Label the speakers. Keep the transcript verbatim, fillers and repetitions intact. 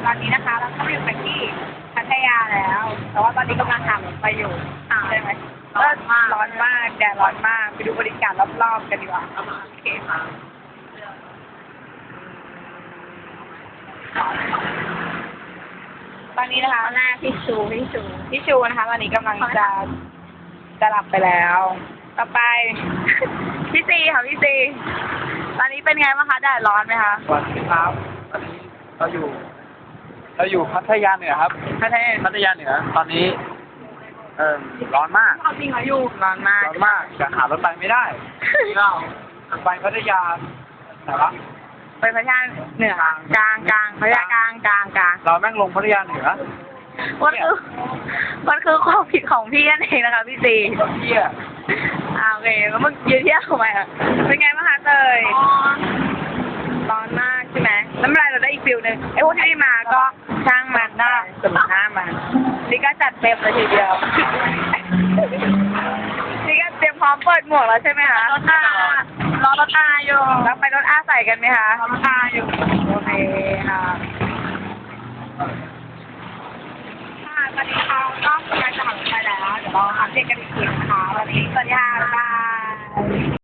Speaker 1: อนนี้นะคะเราก็อยู่กันที่พัทยาแล้ว แต่ว่าตอนนี้กำลังหารถไปอยู่ใช่ไหมร้อนมากร้อนมากแดดร้อนมากไปดูบรรยากาศรอบๆกันดีกว่าโอเคค่ะตอนนี้นะคะหน้าพี่ชูพี่ชูพี่ชูนะคะตอนนี้กำลังจะจะหลับไปแล้ว ต่อไป พี่ซีค่ะพี่ซีตอนนี้เป็นไงบ้างคะแดดร้อนไหมคะ
Speaker 2: สวัสดีครับตอนนี้เราอยู่ เราอยู่พัทยาเหนือครับพัทยาพัทยาเหนือ ตอนนี้ เออร้อนมาก
Speaker 1: จริงเหรออยู่ร้อนมาก
Speaker 2: ร้อนมากจะหารถไปไม่ได้เราไปพัทยาแต่ว่า
Speaker 1: ไปพัทยาเหนือกลางกลางพัทยากลางกลางกลาง
Speaker 2: เราแม่งลงพัทยาเหนือ
Speaker 1: มันคือมันคือความผิดของพี่นั่นเองนะคะพี่ซี
Speaker 2: เที่ย
Speaker 1: อ่าโอเคแล้วมึงยืนเที่ยวทำไมอ่ะเป็นไงบ้างคะเตยร้อนมากใช่ไหมน้ำลายเราได้อีกฟิลหนึ่งไอ้พวกที่ไม่มาก็ช่างมันหน้าสมหน้ามันนี่ก็จัดเต็มเลยทีเดียวนี่ก็เตรียมพร้อมเปิดหมวกแล้วใช่ไหมคะรถอารอรถอาอยู่แล้วไปรถอาใส่กันไหมคะรถอาอยู่โอเคค่ะค่ะตอนนี้เขาก็กำลังจะหันไปแล้วเดี๋ยวเราอัปเดตกันอีกทีนะคะวันนี้สวัสดีค่ะบ๊ายบาย